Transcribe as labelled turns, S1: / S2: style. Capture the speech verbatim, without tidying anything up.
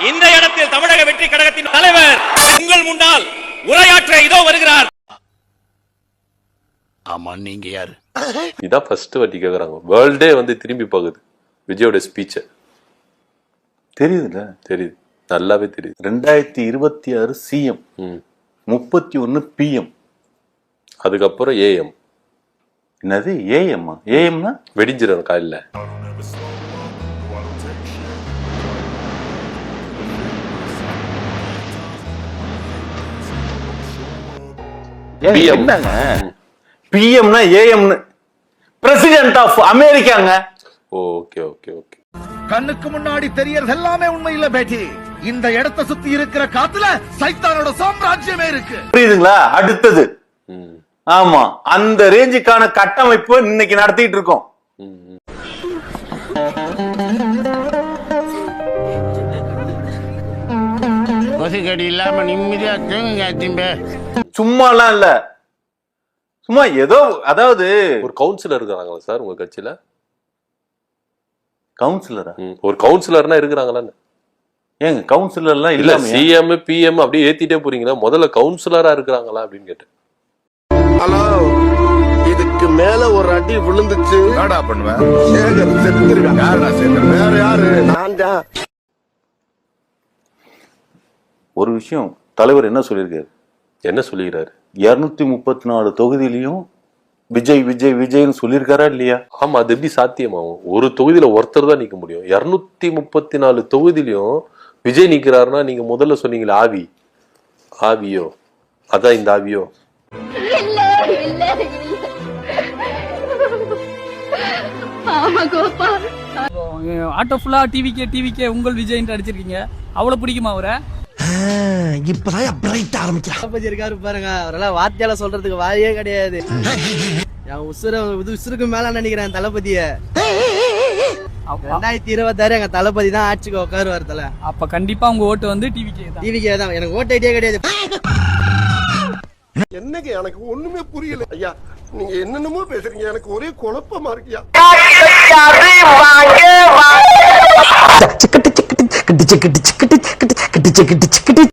S1: இந்த இடத்தில் தமிழக வெற்றி கழகத்தின் தலைவர் உங்கள் முன்னால் உரையாற்ற இதோ வருகிறார்.
S2: ஆமா, நீங்க யாரு?
S3: இதான் ஃபர்ஸ்ட் வாட்டி கேக்குறாங்க. வேர்ல்டே வந்து திரும்பி பாக்குது விஜயோட ஸ்பீச்ச.
S4: தெரியுதுல்ல?
S3: தெரியுது, நல்லாவே தெரியுது.
S4: ரெண்டாயிரத்தி இருபத்தி ஆறு சிஎம், முப்பத்தி ஒன்னு பிஎம்,
S3: அதுக்கப்புறம் ஏஎம்.
S4: என்னது ஏஎம்மா? ஏஎம்னா
S3: வெடிஞ்சிடும் காலையில.
S4: என்னங்க பிஎம்னா ஏஎம்னு? பிரசிடென்ட் ஆஃப் அமெரிக்காங்க.
S3: Okay okay okay.
S2: கண்ணுக்கு முன்னாடி தெரியறது எல்லாமே உண்மை இல்ல பேட்டி. இந்த இடத்தை சுத்தி இருக்கிற காத்துல சைத்தானோட சாம்ராஜ்யமே இருக்கு.
S4: புரியுதுங்களா? அடுத்தது ஆமா, அந்த ரேஞ்சுக்கான கட்டமைப்பு இன்னைக்கு நடத்திட்டு இருக்கோம்.
S2: கொசுக்கடி இல்லாம நிம்மதியா தூங்குங்க.
S4: சும்மாலாம் இல்ல, சும்மா ஏதோ, அதாவது
S3: ஒரு கவுன்சிலர் இருக்கிறாங்களா சார் உங்க கட்சியில?
S4: கவுன்சிலரா?
S3: ஒரு கவுன்சிலர்னா இருக்கிறாங்களான்னு.
S4: ஏங்க கவுன்சிலர் எல்லாம்
S3: இல்ல,
S4: இல்ல
S3: சிஎம் பிஎம் அப்படியே ஏத்திட்டே போறீங்களா? முதல்ல கவுன்சிலரா இருக்கிறாங்களா அப்படின்னு கேட்டேன்.
S5: ஹலோ, இதுக்கு மேல ஒரு அடி விழுந்துச்சு என்னடா பண்ணுவேன்? சேகர் செத்துருவேன். யாரா சேகர்? வேற யாரு? நான் தான்.
S4: ஒரு விஷயம் தலைவர் என்ன சொல்லியிருக்காரு?
S3: என்ன சொல்லிக்கிறாரு?
S4: இருநூத்தி முப்பத்தி நாலு தொகுதியிலையும் விஜய் விஜய் விஜய்னு சொல்லியிருக்காரா இல்லையா?
S3: ஆமா, அது எப்படி சாத்தியமாகும்? ஒரு தொகுதியில ஒருத்தர் தான் நிக்க முடியும். இருநூத்தி முப்பத்தி நாலு தொகுதியிலையும் விஜய் நிக்கிறாருன்னா நீங்க முதல்ல சொன்னீங்களா ஆவி, ஆவியோ? அதான் இந்த ஆவியோ?
S6: ஆட்டோ ஃபுல்லா டிவிக்கே டிவிக்கே உங்கள் விஜய் அடிச்சிருக்கீங்க. அவ்வளவு பிடிக்குமா அவரை?
S2: இப்பதான் பிரைட் ஆரம்பிக்கிறான்
S7: இருக்காரு பாருங்க. அவரெல்லாம் வார்த்தையால சொல்றதுக்கு வாயே கிடையாது. என் உசுர உசுருக்கு மேல நினைக்கிறேன் தளபதிய. ரெண்டாயிரத்தி இருபத்தி ஆறு எங்க தளபதி தான் ஆட்சிக்கு உட்காருவார் தல.
S6: அப்ப கண்டிப்பா உங்க ஓட்டு வந்து டிவிக்கே தான்.
S7: டிவிக்கே தான். எனக்கு ஓட்டு ஐடியா கிடையாது.
S5: என்னங்க எனக்கு ஒண்ணுமே புரியல ஐயா. நீங்க என்னென்னமோ பேசுறீங்க, எனக்கு ஒரே குழப்பமா இருக்கியா.
S8: சிக்கட்டு சிக்கட்டு சிக்கட்டு சிக்கட்டு சிக்கட்டு சிக்கட்டு சிக்கட்டு